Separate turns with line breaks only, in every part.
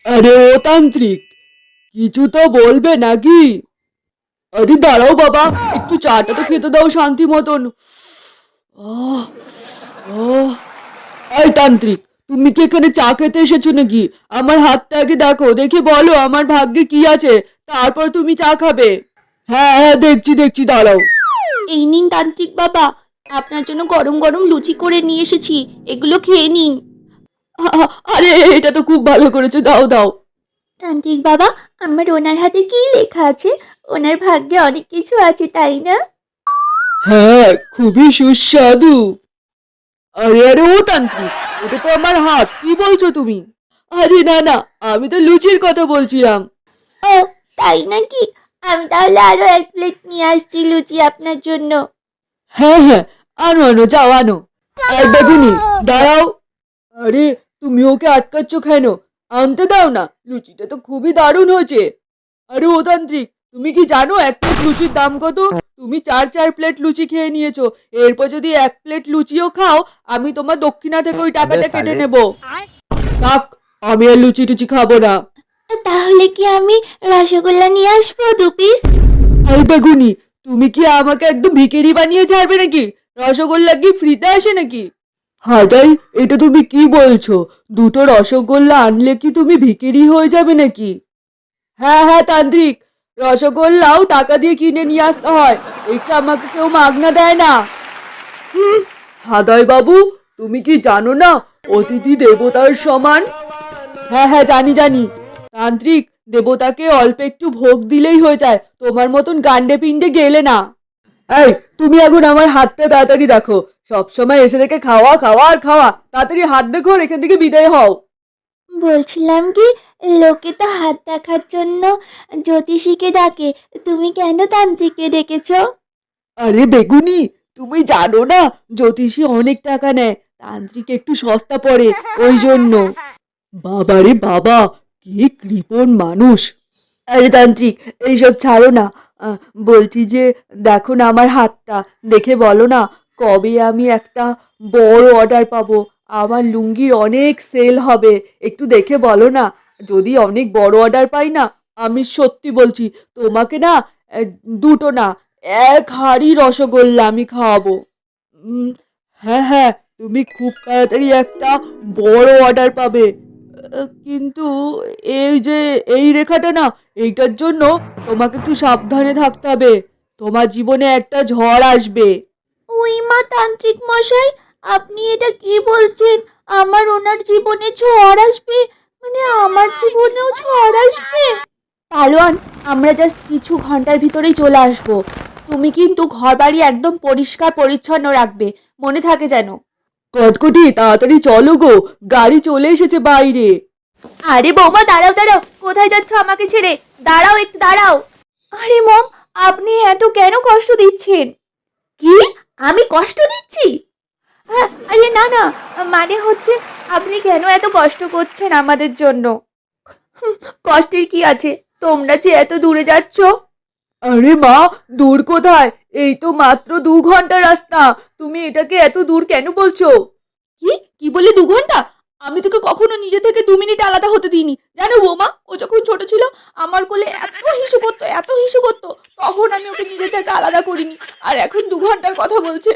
আরে ও তান্ত্রিক, কিছু তো বলবে নাকি? আরে দাঁড়াও বাবা, একটু চাটা তো খেতে দাও শান্তি মতন। আহ আহ এই তান্ত্রিক, তুমি কি এখানে চা খেতে এসেছো নাকি? আমার হাতটা আগে দেখো, দেখে বলো আমার ভাগ্যে কি আছে, তারপর তুমি চা খাবে। হ্যাঁ হ্যাঁ, দেখছি দেখছি, দাঁড়াও।
এই নিন তান্ত্রিক বাবা, আপনার জন্য গরম গরম লুচি করে নিয়ে এসেছি, এগুলো খেয়ে নিন।
আরে এটা তো খুব ভালো করেছো, দাও দাও।
তান্ত্রিক বাবা, আমার ওনার হাতে কি লেখা আছে? ওনার ভাগ্যে অনেক কিছু আছে, তাই না?
হ্যাঁ, খুবই সুস্বাদু। আরে আরে ও তান্ত্রিক, ওটা তো আমার হাত, কি বলছো তুমি? আরে না না, আমি তো লুচির কথা বলছিলাম।
ও, তাই নাকি? আমি তাহলে আরো এক প্লেট নিয়ে আসছি লুচি আপনার জন্য।
হ্যাঁ হ্যাঁ, আনো আনো, যাও আনো। এই বেগুনি, দাঁড়াও। আরে তুমি ওকে আটকাচ্ছ কেন? আনতে দাও না, লুচিটা তো খুবই দারুণ হয়েছে। আরে ও তান্ত্রিক, তুমি কি জানো এক প্লেট লুচির দাম কত? তুমি চার চার প্লেট লুচি খেয়ে নিয়েছো, এরপর যদি এক প্লেট লুচিও খাও, আমি তোমার দক্ষিণা থেকে ওই
अबे
টাকাটা কেটে
साले।
নেব। থাক, আমি আর লুচি টুচি খাবো না।
তাহলে কি আমি রসগোল্লা নিয়ে আসবো 2 পিস?
আরে বেগুনি, তুমি কি আমাকে একদম ভিখারি বানিয়ে ছাড়বে নাকি? রসগোল্লা কি ফ্রিতে আসে নাকি? হাদাই, এটা তুমি কি বলছো? দুটো রসগোল্লা আনলে কি তুমি ভিখারি হয়ে যাবে নাকি? হ্যাঁ হ্যাঁ তান্ত্রিক, রসগোল্লাও টাকা দিয়ে কিনে নিয়ে আসতে হয়, এটা আমাকে কেউ মাগনা দেয় না। হুম, হাদাই বাবু, তুমি কি জানো না অতিথি দেবতার সমান? হ্যাঁ হ্যাঁ, জানি জানি। তান্ত্রিক, দেবতাকে অল্প একটু ভোগ দিলেই হয়ে যায়, তোমার মতন গান্ডে পিণ্ডে গেলে না। এই, তুমি এখন আমার হাতটা তাড়াতাড়ি দেখো, সবসময় এসে দেখে খাওয়া খাওয়া আর খাওয়া, তাড়াতাড়ি হাত দেখো আর এখান থেকে বিদায় হও।
বলছিলাম কি, লোকে তো হাত দেখার জন্য জ্যোতিষীকে ডাকে, তুমি কেন তান্ত্রিককে ডেকেছো?
আরে বেগুনি, তুমি জানো না জ্যোতিষী অনেক টাকা নেয়, তান্ত্রিক একটু সস্তা পড়ে, ওই জন্য। বাবারে বাবা, কি কৃপণ মানুষ। আরে তান্ত্রিক, এইসব ছাড়ো না। আহ, বলছি যে দেখো না আমার হাতটা, দেখে বলো না কবে আমি একটা বড় অর্ডার পাবো, আমার লুঙ্গির অনেক সেল হবে, একটু দেখে বলো না। যদি অনেক বড় অর্ডার পাই না, আমি সত্যি বলছি তোমাকে না, আহ, দুটো না, এক হাঁড়ি রসগোল্লা আমি খাওয়াবো। উম, হ্যাঁ হ্যাঁ, তুমি খুব তাড়াতাড়ি একটা বড় অর্ডার পাবে। কিন্তু এই যে এই রেখাটা না, এইটার জন্য তোমাকে একটু সাবধানে থাকতে হবে, তোমার জীবনে একটা ঝড় আসবে।
ওই মা তান্ত্রিক মশাই, আপনি এটা কি বলছেন? আমার ওনার জীবনে ঝড় আসবে? মানে আমার জীবনেও ঝড় আসবে? পালোয়ান, আমরা জাস্ট কিছু ঘন্টার ভিতরেই চলে আসবো। তুমি কিন্তু ঘর বাড়ি একদম পরিষ্কার পরিচ্ছন্ন রাখবে, মনে থাকে যেন।
কটকটি, তাড়াতাড়ি চলো গো, গাড়ি চলে এসেছে বাইরে।
আরে বৌমা, দাঁড়াও দাঁড়াও, কোথায় যাচ্ছ আমাকে ছেড়ে? দাঁড়াও, একটু দাঁড়াও। আরে মম, আপনি এত কেন কষ্ট দিচ্ছেন? কি? আমি কষ্ট দিচ্ছি? হ্যাঁ, আরে না না, মানে হচ্ছে আপনি কেন এত কষ্ট করছেন আমাদের জন্য? কষ্টের কি আছে, তোমরা যে এত দূরে যাচ্ছ।
আরে মা, দূর কোথায়? এই তো মাত্র 2 ঘন্টা রাস্তা, তুমি এটাকে এত দূর কেন বলছো?
কি কি বলে 2 ঘন্টা? আমি তোকে কখনো নিজে থেকে 2 মিনিট আলাদা হতে দিইনি, জানো বৌমা? ও যখন ছোট ছিল আমার কোলে এত হিসু করতো, এত হিসু করতো, তখন আমি ওকে নিজে থেকে আলাদা করিনি, আর এখন 2 ঘন্টার কথা বলছে।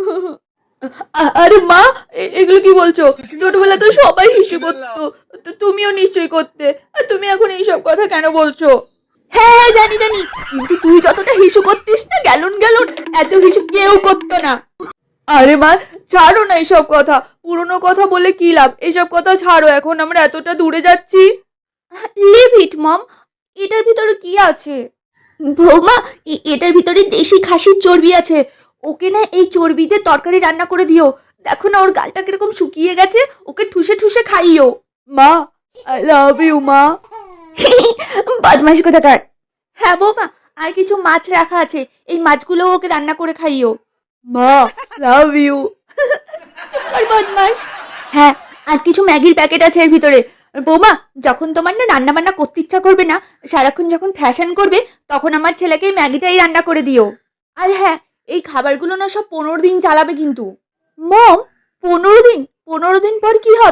আরে মা, এগুলো কি বলছো? ছোটবেলায় তো সবাই হিসু করতো, তো তুমিও নিশ্চয়ই করতে, আর তুমি এখন এইসব কথা কেন বলছো?
হ্যাঁ হ্যাঁ, জানি জানি, কিন্তু তুই যতটা হিসু করতিস না গ্যালন গ্যালন, এত হিসু কেউ করতো না।
আরে মা, ছাড়ো না এইসব কথা, পুরনো কথা বলে কি লাভ, এইসব কথা ছাড়ো, এখন আমরা এতটা দূরে যাচ্ছি।
লিভ ইট মম, এটার ভিতরে কি আছে? বৌমা, এটার ভিতরে দেশি খাসির চর্বি আছে, ওকে না এই চর্বিতে তরকারি রান্না করে দিও। দেখো না ওর গালটা কিরকম শুকিয়ে গেছে, ওকে ঠুসে ঠুসে খাইও।
মা, আই লাভ ইউ মা।
বদমাশি কোথাকার। হ্যাঁ বৌমা, আর কিছু মাছ রাখা আছে, এই মাছগুলো ওকে রান্না করে খাইও।
মা, লাভ ইউ।
চুপ কর বদমাস। হ্যাঁ, আর কিছু ম্যাগির প্যাকেট আছে এর ভিতরে। বৌমা, যখন তোমার না রান্না বান্না করতে ইচ্ছা করবে না, সারাক্ষণ যখন ফ্যাশন করবে, তখন আমার ছেলেকে এই ম্যাগিটাই রান্না করে দিও। আর হ্যাঁ, এই খাবারগুলো না সব 15 দিন চালাবে কিন্তু। মম, 15 দিন? 15 দিন পর কি হবে?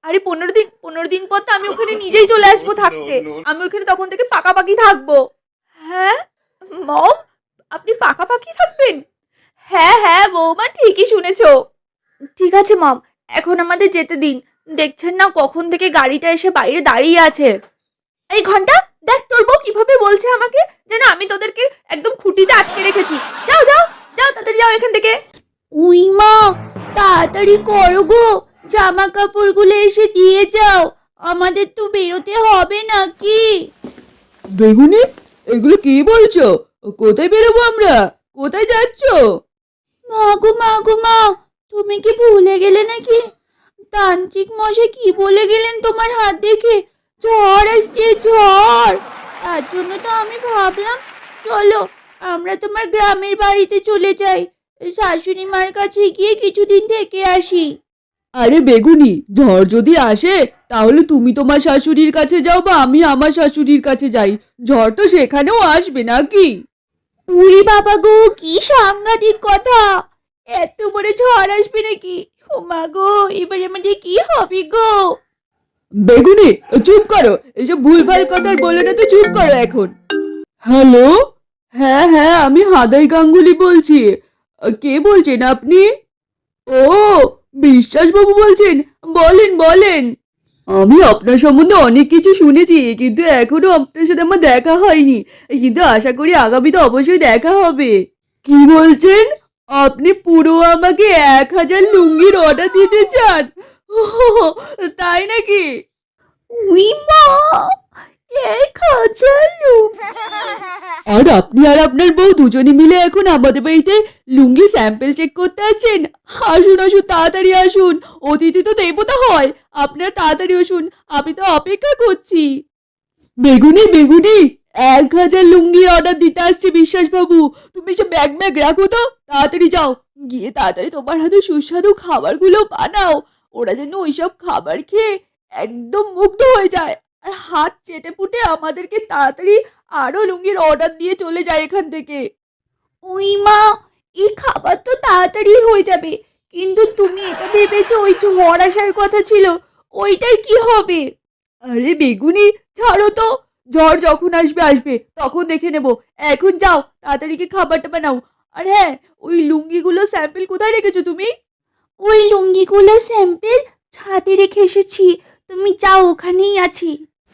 আরে 15 দিন পর তো আমি ওখানে নিজেই চলে আসবো থাকতে। আমি ওখানে তখন থেকে পাকাপাকি থাকবো। হ্যাঁ মম, আপনি পাকাপাকি থাকবেন? হ্যাঁ হ্যাঁ বৌমা, ঠিকই শুনেছো। ঠিক আছে মম, এখন আমাদের যেতে দিন। দেখছেন না কখন থেকে গাড়িটা এসে বাইরে দাঁড়িয়ে আছে। এই ঘন্টা, দেখ তোর বউ কিভাবে বলছে আমাকে যেন আমি তোদেরকে একদম খুঁটিতে আটকে রেখেছি। যাও যাও যাও, তাড়াতাড়ি যাও এখান থেকে। উই মা, তাড়াতাড়ি করো গো, জামা কাপড়গুলো এসে দিয়ে যাও, আমাদের তো বেরোতে হবে নাকি?
বেগুনি, এগুলো কি বলছো? কোথায় বেরোবো আমরা? কোথায় যাচ্ছ?
মা গো মা, তুমি কি ভুলে গেলে নাকি? তান্ত্রিক মশাই কি বলে গেলেন তোমার হাত দেখে? ঝড় আসছে, ঝড়। তার জন্য তো আমি ভাবলাম চলো আমরা তোমার গ্রামের বাড়িতে চলে যাই, শাশুড়ি মার কাছে গিয়ে কিছুদিন থেকে আসি।
আরে বেগুনি, ঝড় যদি আসে তাহলে তুমি তোমার শাশুড়ির কাছে যাও বা আমি আমার শাশুড়ির কাছে যাই। ঝড় তো সেখানেও আসবে নাকি?
উরি বাবা গো, কি সাংঘাতিক কথা! এত বড় ঝড় আসবে নাকি? ও মা গো, এবারে আমাদের কি হবে গো?
বেগুনি, চুপ করো, এসব ভুলভাল কথা আর বলে না তো, চুপ করো এখন। হ্যালো, হ্যাঁ হ্যাঁ, আমি হাদাই গাঙ্গুলি বলছি। কে বলছেন আপনি? ও, বিশ্বাসবাবু বলছেন? বলেন বলেন। আমি আপনার সম্বন্ধে অনেক কিছু শুনেছি, কিন্তু এখনো আপনার সাথে আমার দেখা হয়নি, কিন্তু আশা করি আগামীতে অবশ্যই দেখা হবে। কি বলছেন? আপনি পুরো আমাকে 1000 লুঙ্গির অর্ডার দিতে চান? ওহ, তাই নাকি?
উই মা, 1000 লুঙ্গি!
আর আপনি আর আপনার বউ দুজনে মিলে এখন আমাদের বাড়িতে লুঙ্গি স্যাম্পল চেক করতে আসছেন? আসুন আসুন, তাড়াতাড়ি আসুন, অতিথি তো দেবতা হয়, আপনার তাড়াতাড়ি আসুন, আমি তো অপেক্ষা করছি। বেগুনি বেগুনি, 1000 লুঙ্গির অর্ডার দিতে আসছে বিশ্বাসবাবু। তুমি সব ব্যাগ ব্যাগ রাখো তো, তাড়াতাড়ি যাও, গিয়ে তাড়াতাড়ি তোমার হাতে সুস্বাদু খাবারগুলো বানাও। ওরা যেন ওইসব খাবার খেয়ে একদম মুগ্ধ হয়ে যায় আর হাত চেটে পুটে আমাদেরকে তাড়াতাড়ি আরো লুঙ্গির অর্ডার দিয়ে চলে যায় এখান থেকে।
উই মা, এই খাবার তো তাড়াতাড়ি হয়ে যাবে, কিন্তু তুমি এটা ভেবেছো ওই ঝড় আসার কথা ছিল, ওইটার কি হবে?
আরে বেগুনি, ছাড়ো তো, ঝড় যখন আসবে আসবে, তখন দেখে নেব। এখন যাও, তাড়াতাড়ি কি খাবারটা বানাও। আর হ্যাঁ, ওই লুঙ্গিগুলো স্যাম্পল কোথায় রেখেছো তুমি?
ওই লুঙ্গিগুলোর স্যাম্পেল ছাদে রেখে এসেছি, তুমি যাও, ওখানেই আছি।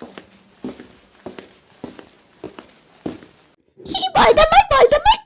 কি বলদামার বলদামার!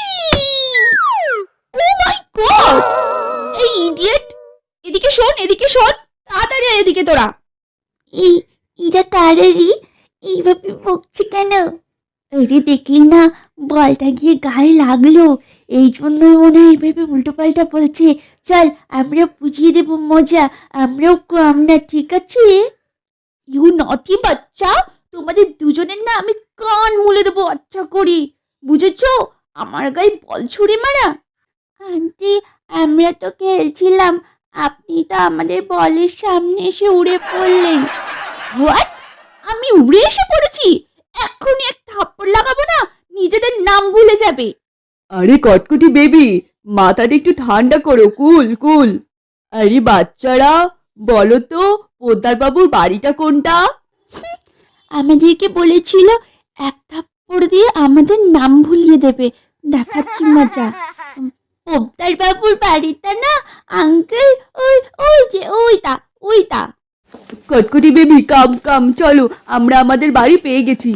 ও মাই গড! এই ইডিয়েট, এদিকে শোন, এদিকে শোন, তাড়াতাড়ি আয় এদিকে তোরা। এই এরা কারেরই এইভাবে বকছে কেন? আরে দেখলি না, বলটা গিয়ে গায়ে লাগলো, এই জন্যই মনে হয় এইভাবে উল্টো পাল্টা বলছে। চল আমরা বুঝিয়ে দেবো মজা, আমরাও কম না, ঠিক আছে? ইউ নটি বাচ্চা, তোমাদের দুজনের না আমি কান মুলে দেবো আচ্ছা করি, বুঝেছো? আমার গায়ে বল ছুড়ে মারা! আন্টি, আমরা তো খেলছিলাম, আপনি তো আমাদের বলের সামনে এসে উড়ে পড়লেন। হোয়াট? আমি উড়ে এসে পড়েছি? এক্ষুনি এক থাপ্পড় লাগাবো না, নিজেদের নাম ভুলে যাবে।
আরে কটকটি বেবি, মাথাটা একটু ঠান্ডা করো, কুল কুল। আরে বাচ্চারা, বলো তো পোদ্দার বাবুর বাড়িটা কোনটা?
আমাদেরকে বলেছিল এক থাপ্পড় দিয়ে আমাদের নাম ভুলিয়ে দেবে, দেখাচ্ছি মজা। পোদ্দার বাবুর বাড়িটা না আঙ্কেল, ওই ওই যে ওইটা ওইটা।
কটকটি বেবি, কাম কাম, চলো, আমরা আমাদের বাড়ি পেয়ে গেছি।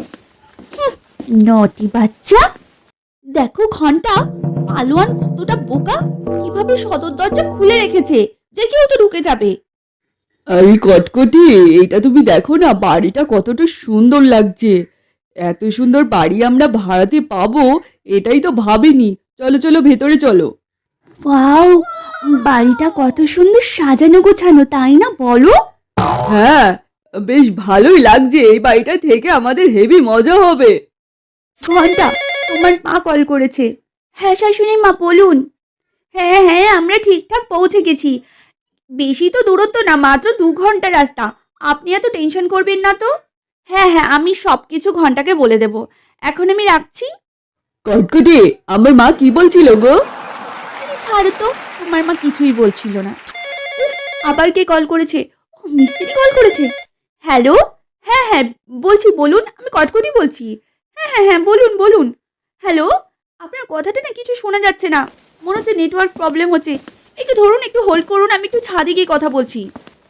নটি বাচ্চা, দেখো ঘন্টা, পালোয়ান কতটা বোকা, কিভাবে সদর দরজা খুলে রেখেছে যে কেউ তো ঢুকে যাবে।
আরে কটকটি, এটা তুমি দেখো না, বাড়িটা কতটা সুন্দর লাগছে। এত সুন্দর বাড়ি আমরা ভাড়াতে পাবো, এটাই তো ভাবিনি। চলো চলো, ভেতরে চলো।
ওয়াও, বাড়িটা কত সুন্দর সাজানো গোছানো, তাই না বলো?
হ্যাঁ, বেশ ভালোই লাগছে, এই বাড়িটা থেকে আমাদের হেভি মজা হবে।
ঘন্টা, তোমার মা কল করেছে। হ্যাঁ শাশুড়ি মা, বলুন। হ্যাঁ হ্যাঁ, আমরা ঠিকঠাক পৌঁছে গেছি, বেশি তো দূরত্ব না, মাত্র 2 ঘন্টা রাস্তা, আপনি এত টেনশন করবেন না তো। হ্যাঁ হ্যাঁ, আমি সব কিছু ঘন্টাকে বলে দেব, এখন আমি রাখছি।
কটকটি, আমার মা কি বলছিল গো?
আরে ছাড়ো তো, তোমার মা কিছুই বলছিল না। উফ, আবার কে কল করেছে? ও মিস্ত্রি কল করেছে। হ্যালো, হ্যাঁ হ্যাঁ বলছি, বলুন, আমি কটকটি বলছি। হ্যাঁ হ্যাঁ হ্যাঁ বলুন বলুন। হ্যালো, আপনার কথাটা না কিছু শোনা যাচ্ছে না, মনে হচ্ছে নেটওয়ার্ক প্রবলেম হচ্ছে। একটু ধরুন, একটু হোল্ড করুন, আমি একটু ছাদে গিয়ে কথা বলছি।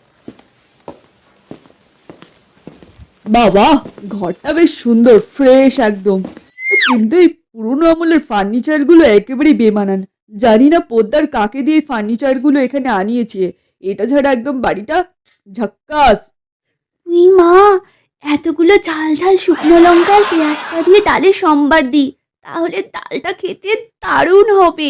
বাবা, ঘরটা বেশ সুন্দর, ফ্রেশ একদম। কিন্তু এই পুরোনো আমলের ফার্নিচারগুলো একেবারেই বেমানান। জানি না পোদ্দার কাকে দিয়ে ফার্নিচারগুলো এখানে আনিয়েছে। এটা ছাড়া একদম বাড়িটা ঝাক্কাস।
উই মা, এতগুলো ঝাল ঝাল শুকনো লঙ্কা আর পেঁয়াজটা দিয়ে ডালে সম্বার দিই, তাহলে ডালটা খেতে দারুণ হবে।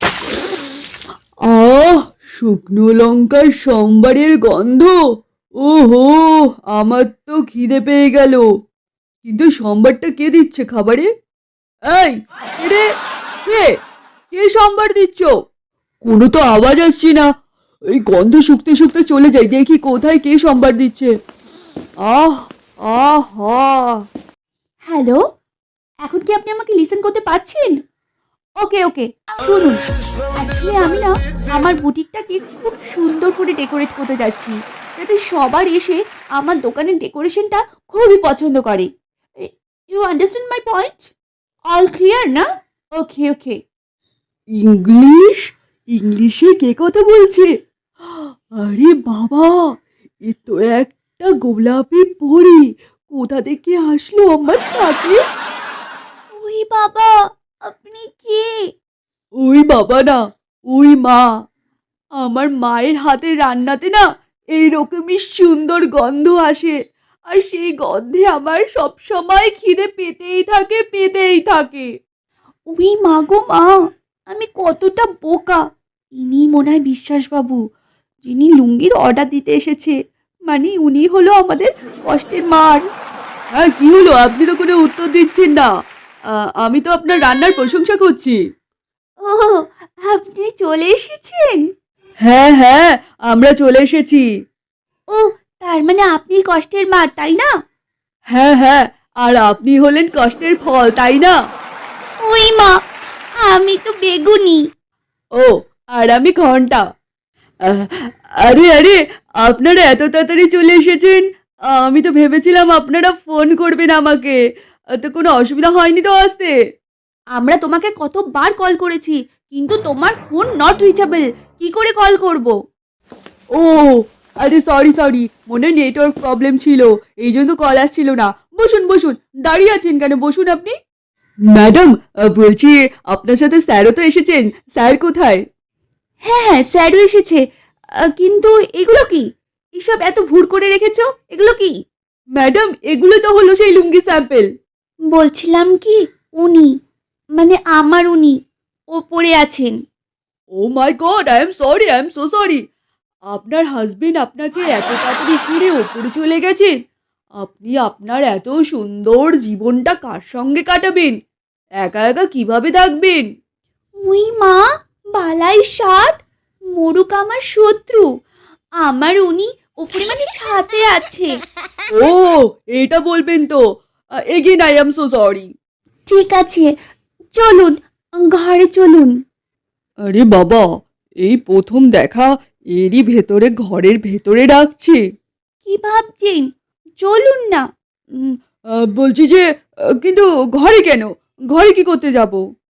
আহ, শুকনো লঙ্কার সম্বারের গন্ধ। ওহো, আমার তো খিদে পেয়ে গেল। কিন্তু সম্বারটা কে দিচ্ছে খাবারে? এই, কে রে? কে কে সম্বার দিচ্ছ? কোনো তো আওয়াজ আসছে না। এই গন্ধ শুকতে শুকতে চলে যাই, দেখি কোথায় কে সম্বার দিচ্ছে। আহ, আহা।
হ্যালো, এখন কি আপনি আমাকে লিসেন করতে পারছেন? ওকে ওকে, শুনুন, অ্যাকচুয়ালি আমি না আমার বুটিকটাকে খুব সুন্দর করে ডেকোরেট করতে যাচ্ছি, যাতে সবার এসে আমার দোকানের ডেকোরেশনটা খুবই পছন্দ করে। You understand my point? All clear না? Okay okay.
ইংলিশ? ইংলিশে কে কথা বলছে? আরে বাবা, এ তো একটা গোলাপি পরী। কোথা থেকে আসলো আমার ছাদে?
ওই বাবা, আপনি কে?
ওই বাবা না, ওই মা। আমার মায়ের হাতের রান্নাতে না এইরকমই সুন্দর গন্ধ আসে। আর সেই গন্ধে আমার সব সময় খিদে পেতেই থাকে, পেতেই থাকে।
ওই মা গো মা, আমি কতটা বোকা! ইনি মনে হয় বিশ্বাসবাবু, যিনি লুঙ্গির অর্ডার দিতে এসেছে। মানে উনি হলো আমাদের কষ্টের মার।
হ্যাঁ, কি হলো? আপনি তো কোনো উত্তর দিচ্ছেন না। আমি তো আপনার রান্নার প্রশংসা করছি।
ও, আপনি চলে এসেছেন?
হ্যাঁ হ্যাঁ, আমরা চলে এসেছি।
ও, তার মানে আপনি কষ্টের মা, তাই না?
হ্যাঁ হ্যাঁ, আর আপনি হলেন কষ্টের ফল, তাই না?
ওই মা, আমি তো বেগুনি।
ও, আর আমি ঘন্টা। আহ, আরে আরে, আপনারা এত তাড়াতাড়ি চলে এসেছেন। আমি তো ভেবেছিলাম আপনারা ফোন করবেন আমাকে। তো কোনো অসুবিধা হয়নি তো আসতে?
আমরা তোমাকে কতবার কল করেছি, কিন্তু তোমার ফোন নট রিচেবল। কি করে কল করব?
ও, আরে সরি সরি, মনে হয় নেটওয়ার্ক প্রবলেম ছিল, এই জন্য কল আসছিল না। বসুন বসুন, দাঁড়িয়ে আছেন কেন? বসুন আপনি। ম্যাডাম, বলছি আপনার সাথে স্যারও তো এসেছেন। স্যার কোথায়?
হ্যাঁ হ্যাঁ, স্যারও এসেছে। কিন্তু এগুলো কি? এসব এত ভুর করে রেখেছো, এগুলো কি?
ম্যাডাম, এগুলো তো হলো সেই লুঙ্গি স্যাম্পল।
বলছিলাম কি, উনি, মানে আমার উনি ওপরে আছেন।
Oh my god, I am sorry, I am so sorry. আপনার হাজবেন্ড আপনাকে এত তাড়াতাড়ি ছেড়ে ওপরে চলে গেছেন? আপনি আপনার এত সুন্দর জীবনটা কার সঙ্গে কাটাবেন? একা একা কিভাবে থাকবেন?
উই মা, বালাই ষাট, মোরুক আমার শত্রু। আমার উনি ওপরে মানে ছাতে আছে।
ও, এটা বলবেন তো। Again I am so sorry.
ঠিক আছে, চলুন, ঘরে চলুন।
আরে বাবা, এই প্রথম দেখা, এরই ভেতরে ঘরের ভেতরে ডাকছে।
কি ভাবছেন? চলুন না।
বলছি যে, কিন্তু ঘরে কেন? ঘরে কি করতে যাব?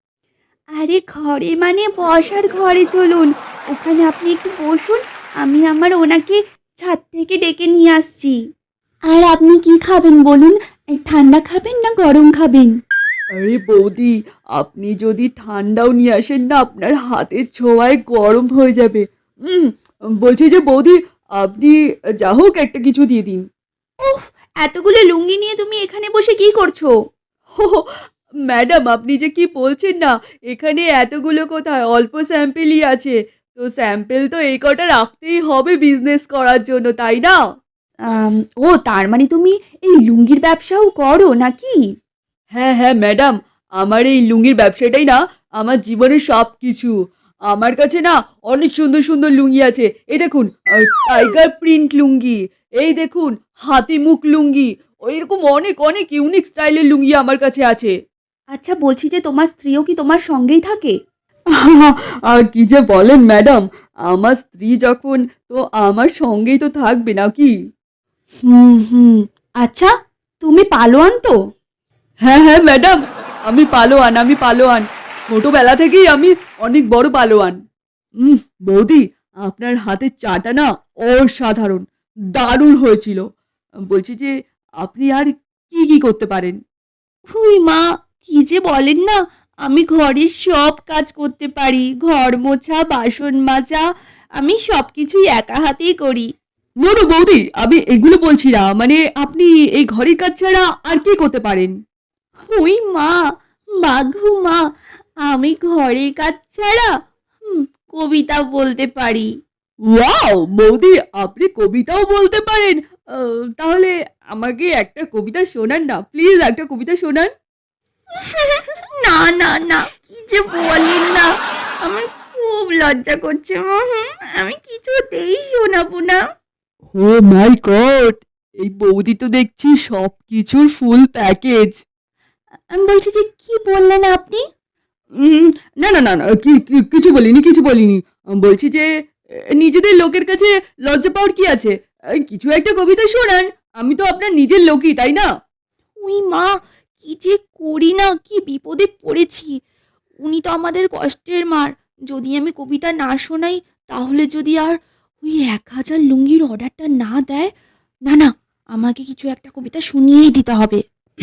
আরে ঘরে মানে বসার ঘরে চলুন, ওখানে আপনি একটু বসুন, আমি আমার ওনাকে ছাদ থেকে ডেকে নিয়ে আসছি। আর আপনি কি খাবেন বলুন? ঠান্ডা খাবেন না গরম খাবেন?
আরে বৌদি, আপনি যদি ঠান্ডাও নিয়ে আসেন না, আপনার হাতের ছোঁয়ায় গরম হয়ে যাবে। উম, বলছি যে বৌদি, আপনি যা হোক একটা কিছু দিয়ে দিন।
উফ, এতগুলো লুঙ্গি নিয়ে তুমি এখানে বসে কি করছো?
হো হো, ম্যাডাম আপনি যে কি বলছেন না, এখানে এতগুলো কোথায়, অল্প স্যাম্পেলই আছে। তো স্যাম্পেল তো এই কটা রাখতেই হবে বিজনেস করার জন্য, তাই না?
আম, ও, তার মানে তুমি এই লুঙ্গির ব্যবসাও করো নাকি?
হ্যাঁ হ্যাঁ ম্যাডাম, আমার এই লুঙ্গির ব্যবসাটাই না আমার জীবনের সব কিছু। আমার কাছে না অনেক সুন্দর সুন্দর লুঙ্গি আছে। এই দেখুন, টাইগার প্রিন্ট লুঙ্গি। এই দেখুন, হাতি মুখ লুঙ্গি। এরকম অনেক অনেক ইউনিক স্টাইলের লুঙ্গি আমার কাছে আছে।
আচ্ছা, বলছি যে তোমার স্ত্রীও কি তোমার সঙ্গেই থাকে?
কি যে বলেন ম্যাডাম, আমার স্ত্রী যখন, তো আমার সঙ্গেই তো থাকবে নাকি?
হুম হুম। আচ্ছা, তুমি পালোয়ান তো?
হ্যাঁ হ্যাঁ ম্যাডাম, আমি পালোয়ান। ছোটবেলা থেকেই আমি অনেক বড় পালোয়ান। উম, বৌদি, আপনার হাতের চাটা না অসাধারণ, দারুণ হয়েছিল। বলছি যে আপনি আর কি কি করতে পারেন?
হুই মা, কি যে বলেন না, আমি ঘরের সব কাজ করতে পারি। ঘর মোছা, বাসন মাজা, আমি সবকিছুই একা হাতেই করি।
নো নো বৌদি, আমি এগুলো বলছি না, মানে আপনি এই ঘরের কাজ ছাড়া আর কি করতে পারেন?
হুই মা, মাঘু মা, আমি ঘরের কাজ ছাড়া কবিতা বলতে পারি।
ওয়াও বৌদি, আপনি কবিতাও বলতে পারেন? তাহলে আমাকে একটা কবিতা শোনান না, প্লিজ একটা কবিতা শোনান।
না না না, কি যে বলেন না, আমার খুব লজ্জা করছে মা। আমি কিছুতেই শোনাবো না।
ও মাই গড, এই বৌদি তো দেখছি সবকিছুর ফুল প্যাকেজ।
আমি বলছি যে, কি বললেন আপনি?
না না না না, কিছু বলিনি। বলছি যে নিজেদের লোকের কাছে লজ্জা পাওয়ার কি আছে? কিছু একটা কবিতা শোনান, আমি তো আপনার নিজের লোকই, তাই না?
উই মা, কি যে করি না, কি বিপদে পড়েছি। উনি তো আমাদের কষ্টের মার। যদি আমি কবিতা না শোনাই, তাহলে যদি আর ওই 1,000 লুঙ্গির অর্ডারটা না দেয়, না না, আমাকে কিছু একটা কবিতা শুনিয়েই দিতে হবে।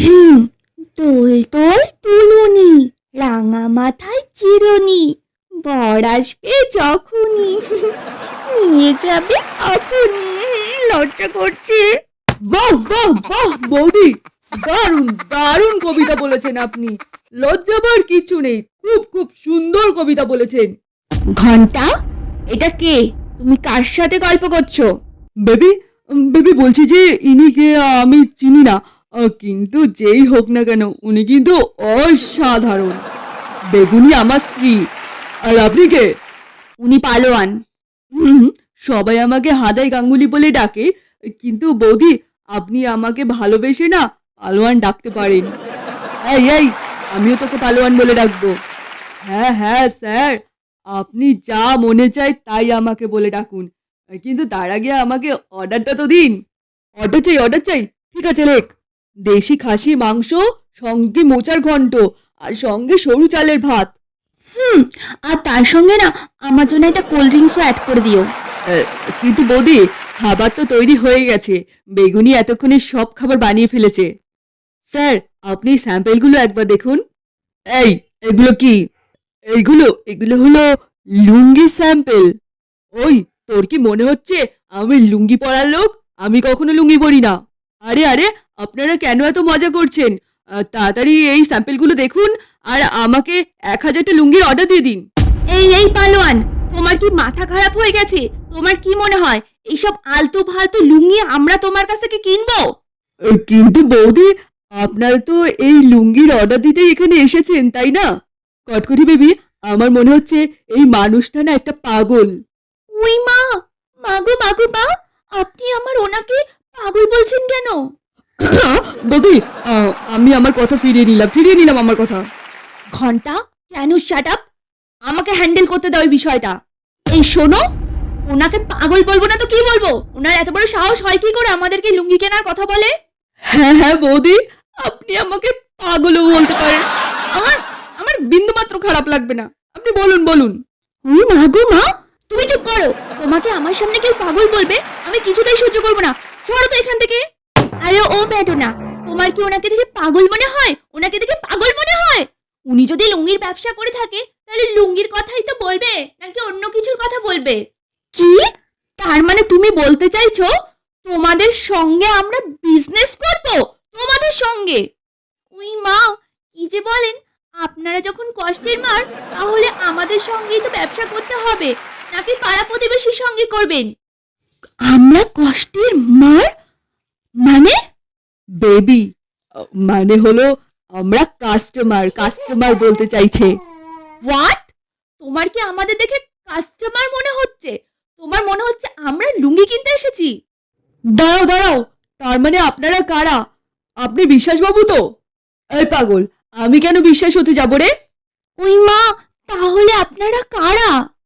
তোল তোল তুলুনি, রাঙা মাথায় চিরুনি, বর আসবে যখনই, নিয়ে যাবে তখনই। লজ্জা করছে।
বাহ বাহ বাহ বৌদি, দারুণ দারুণ কবিতা বলেছেন আপনি। লজ্জা পাওয়ার কিছু নেই, খুব খুব সুন্দর কবিতা বলেছেন।
ঘন্টা, এটা কে? তুমি কার সাথে গল্প করছো?
বেবি, বেবি বলছি যে ইনি কে আমি চিনি না, কিন্তু যেই হোক না কেন উনি কিন্তু অসাধারণ। বেগুনি আমার স্ত্রী। আর আপনি কে?
উনি পালোয়ান।
হুম, সবাই আমাকে হাদাই গাঙ্গুলি বলে ডাকে, কিন্তু বৌদি আপনি আমাকে ভালোবেসে না পালোয়ান ডাকতে পারেন। এই এই, আমিও তোকে পালোয়ান বলে ডাকবো। হ্যাঁ হ্যাঁ স্যার, আপনি যা মনে চায় তাই আমাকে বলে ডাকুন, কিন্তু তার আগে আমাকে অর্ডারটা তো দিন। অর্ডার চাই, ঠিক আছে লেখ। দেশি খাসি মাংস, সঙ্গে মোচার ঘন্ট, আর সঙ্গে সরু চালের ভাত।
হুম, আর তার সঙ্গে না আমার জন্য একটা কোল্ড ড্রিঙ্কসও অ্যাড করে দিও।
কিন্তু বৌদি, খাবার তো তৈরি হয়ে গেছে, বেগুনি এতক্ষণে সব খাবার বানিয়ে ফেলেছে। স্যার, আপনি স্যাম্পেলগুলো একবার দেখুন। এই, এগুলো কি? এগুলো হলো লুঙ্গি স্যাম্পেল। ওই, তোর কি মনে হচ্ছে আমি লুঙ্গি পরার লোক? আমি কখনো লুঙ্গি পরি না। আরে আরে, আপনারা কেন এত মজা করছেন? তাড়াতাড়ি এই স্যাম্পেলগুলো দেখুন, আর আমাকে 1,000টা লুঙ্গির অর্ডার দিয়ে দিন।
এই পালোয়ান, তোমার কি মাথা খারাপ হয়ে গেছে? তোমার কি মনে হয় এইসব আলতু ফালতু লুঙ্গি আমরা তোমার কাছ থেকে কিনবো?
কিন্তু বৌদি, আপনারা তো এই লুঙ্গির অর্ডার দিতেই এখানে এসেছেন, তাই না? কটকটি বেবি, আমার মনে হচ্ছে এই মানুষটা না একটা পাগল।
উই মা, মাগো মাগো মা, আপনি আমার ওনাকে পাগল বলছেন কেন?
বৌদি, আমি আমার কথা ফিরিয়ে নিলাম আমার কথা।
ঘন্টা, কেন শাট আপ? আমাকে হ্যান্ডেল করতে দাও এই বিষয়টা। এই শোনো, ওনাকে পাগল বলবো না তো কি বলবো? ওনার এত বড় সাহস হয় কি করে আমাদেরকে লুঙ্গি কেনার কথা বলে?
হ্যাঁ হ্যাঁ বৌদি, আপনি আমাকে পাগলও বলতে পারেন, আমার আমার বিন্দুমাত্র খারাপ লাগবে না। আপনি বলুন।
উই মা গো মা, তুমি চুপ করো। তোমাকে আমার সামনে কেউ পাগল বলবে, আমি কিছুতেই সহ্য করবো না। সরো তো এখান থেকে। আরে ও ব্যাটো না, তোমার কি ওনাকে দেখে পাগল মনে হয়? ওনাকে দেখে পাগল মনে হয়? উনি যদি লুঙ্গির ব্যবসা করে থাকে, তাহলে লুঙ্গির কথাই তো বলবে, নাকি অন্য কিছুর কথা বলবে? কি? তার মানে তুমি বলতে চাইছো তোমাদের সঙ্গে আমরা বিজনেস করব? তোমাদের সঙ্গে? উই মা, কি যে বলেন! আপনারা যখন কষ্টের মার, তাহলে আমাদের সঙ্গেই তো ব্যবসা করতে হবে, নাকি পাড়া প্রতিবেশীর সঙ্গে করবেন? আমরা কষ্টের মার মানে?
বেবি, মানে হলো আমরা কাস্টমার বলতে চাইছে।
হোয়াট? তোমার কি আমাদের দেখে কাস্টমার মনে হচ্ছে? তোমার মনে হচ্ছে আমরা লুঙ্গি কিনতে এসেছি?
দাঁড়াও, তার মানে আপনারা কারা? আপনি বিশ্বাসবাবু তো? এই পাগল, আমি কেন বিশ্বাস হতে যাব রে?
ওই মা, তাহলে আপনারা কারা?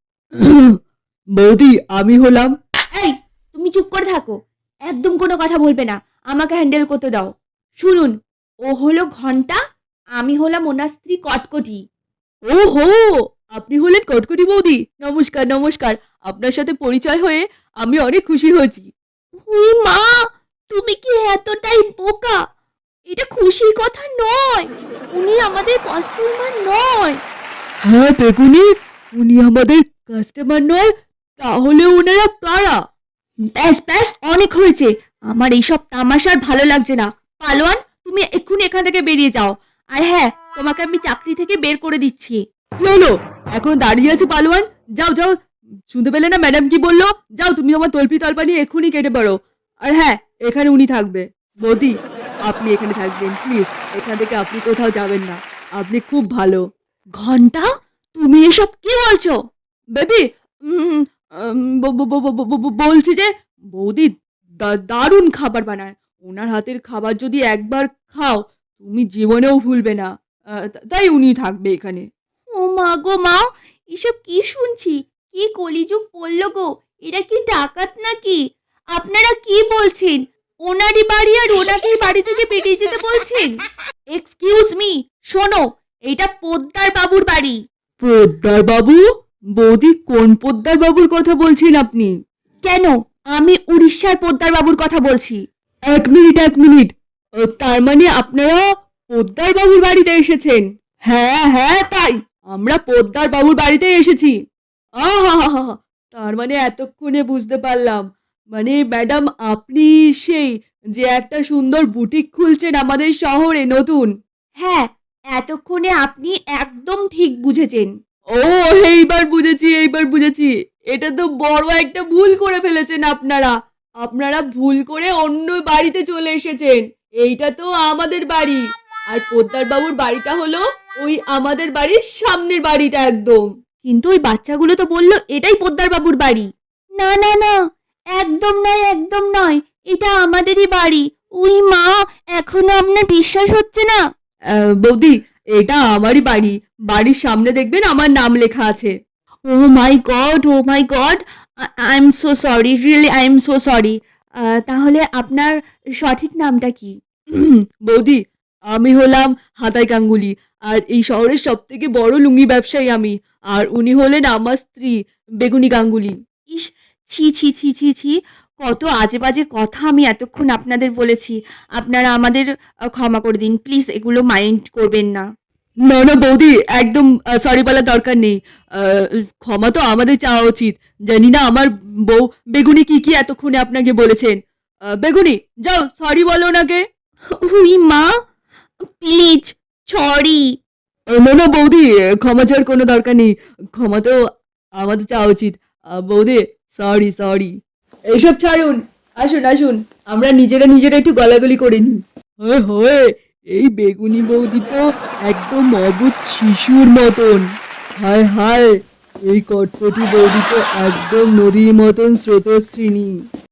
বৌদি আমি হলাম।
এই, তুমি চুপ করে থাকো, একদম কোনো কথা বলবে না, আমাকে হ্যান্ডেল করতে দাও। শুনুন, ও হলো ঘন্টা, আমি হলাম ওনার স্ত্রী কটকটি।
ওহো, আপনি হলেন কটকটি বৌদি। নমস্কার নমস্কার, আপনার সাথে পরিচয় হয়ে আমি অনেক খুশি হয়েছি।
উই মা, তুমি কি এতটাই বোকা? এটা খুশির কথা নয়, উনি আমাদের কাস্টমার নয়।
হ্যাঁ বেগুনি, উনি আমাদের কাস্টমার নয়, তাহলে ওনারা কারা?
ব্যাস ব্যাস, অনেক হয়েছে, আমার এইসব তামাশার ভালো লাগছে না। পালোয়ান, তুমি এক্ষুনি এখান থেকে বেরিয়ে যাও। আর হ্যাঁ, তোমাকে আমি চাকরি থেকে বের করে দিচ্ছি।
কি হলো, এখন দাঁড়িয়ে আছে পালোয়ান? যাও যাও, শুনতে পেলে না ম্যাডাম কি বললো? যাও, তুমি তোমার তল্পি তল্পা নিয়ে এক্ষুনি কেটে পারো। আর হ্যাঁ, এখানে উনি থাকবে। বৌদি, আপনি এখানে থাকবেন প্লিজ, এখান থেকে আপনি কোথাও যাবেন না, আপনি খুব ভালো।
ঘন্টা, তুমি এসব কি বলছো?
বেবি, বলছি যে বৌদি দারুণ খাবার বানায়। ওনার হাতের খাবার যদি একবার খাও তুমি জীবনেও ভুলবে না। তাই উনি থাকবে এখানে।
ও মা গো মা, এসব কি শুনছি? কি কলিযুগ পড়লো গো, এটা কি ডাকাত নাকি? আপনারা কি বলছেন? ওনারই বাড়ি আর ওনাকেই বাড়ি থেকে বেরিয়ে যেতে বলছেন? এক্সকিউজ মি, শোনো, এটা পোদ্দার বাবুর বাড়ি।
পোদ্দার বাবু? বৌদি, কোন পোদ্দার বাবুর কথা বলছেন আপনি?
কেন, আমি উড়িষ্যার পোদ্দার বাবুর কথা বলছি।
এক মিনিট এক মিনিট, তার মানে আপনারা পোদ্দার বাবুর বাড়িতে এসেছেন? হ্যাঁ হ্যাঁ, তাই আমরা পোদ্দার বাবুর বাড়িতে এসেছি। আহা, তার মানে এতক্ষণে বুঝতে পারলাম, মানে ম্যাডাম আপনি সেই যে একটা সুন্দর বুটিক খুলছেন আমাদের শহরে নতুন।
হ্যাঁ, এতক্ষণে আপনি একদম ঠিক বুঝেছেন।
ও, এইবার বুঝেছি এইবার বুঝেছি। এটা তো বড় একটা ভুল করে ফেলেছেন আপনারা। আপনারা ভুল করে অন্য বাড়িতে চলে এসেছেন। এইটা তো আমাদের বাড়ি, আর পোদ্দার বাবুর বাড়িটা হলো ওই আমাদের বাড়ির সামনের বাড়িটা একদম।
কিন্তু ওই বাচ্চাগুলো তো বললো এটাই পোদ্দার বাবুর বাড়ি। না না না, একদম নয় একদম নয়, এটা আমাদেরই বাড়ি। উই মা, এখনো আপনার বিশ্বাস হচ্ছে না?
বৌদি, এটা আমারই বাড়ি। বাড়ির সামনে দেখবেন আমার নাম লেখা আছে।
Oh my god, oh my god, I am so sorry, really I am so sorry. তাহলে আপনার সঠিক নামটা কি?
বৌদি, আমি হলাম হাতাই গাঙ্গুলি, আর এই শহরের সব থেকে বড় লুঙ্গি ব্যবসায়ী আমি। আর উনি হলেন আমার স্ত্রী বেগুনি গাঙ্গুলি।
ইস, ছি ছি ছি ছি ছি, কত আজে বাজে কথা আমি এতক্ষণ আপনাদের বলেছি। আপনারা আমাদের ক্ষমা করে দিন প্লিজ, এগুলো মাইন্ড করবেন না।
না না বৌদি, একদম সরি বলার দরকার নেই। ক্ষমা তো আমাদের চাওয়া উচিত। জানি না আমার বউ বেগুনি কি কি এতক্ষণে আপনাকে বলেছেন। বেগুনি, যাও সরি বলো ওনাকে।
উই মা, প্লিজ, সরি।
না না বৌদি, ক্ষমা চাওয়ার কোনো দরকার নেই। ক্ষমা তো আমাদের চাওয়া উচিত। বৌদি, সরি সরি। এইসব ছাড়ুন, আসুন আসুন, আমরা নিজেরা নিজেরা একটু গলাগলি করে নিই। হয় হয়, এই বেগুনি বৌদি তো একদম অবুঝ শিশুর মতন। হায় হায়, এই কটকটি বৌদি তো একদম নদীর মতন স্রোতস্বিনী।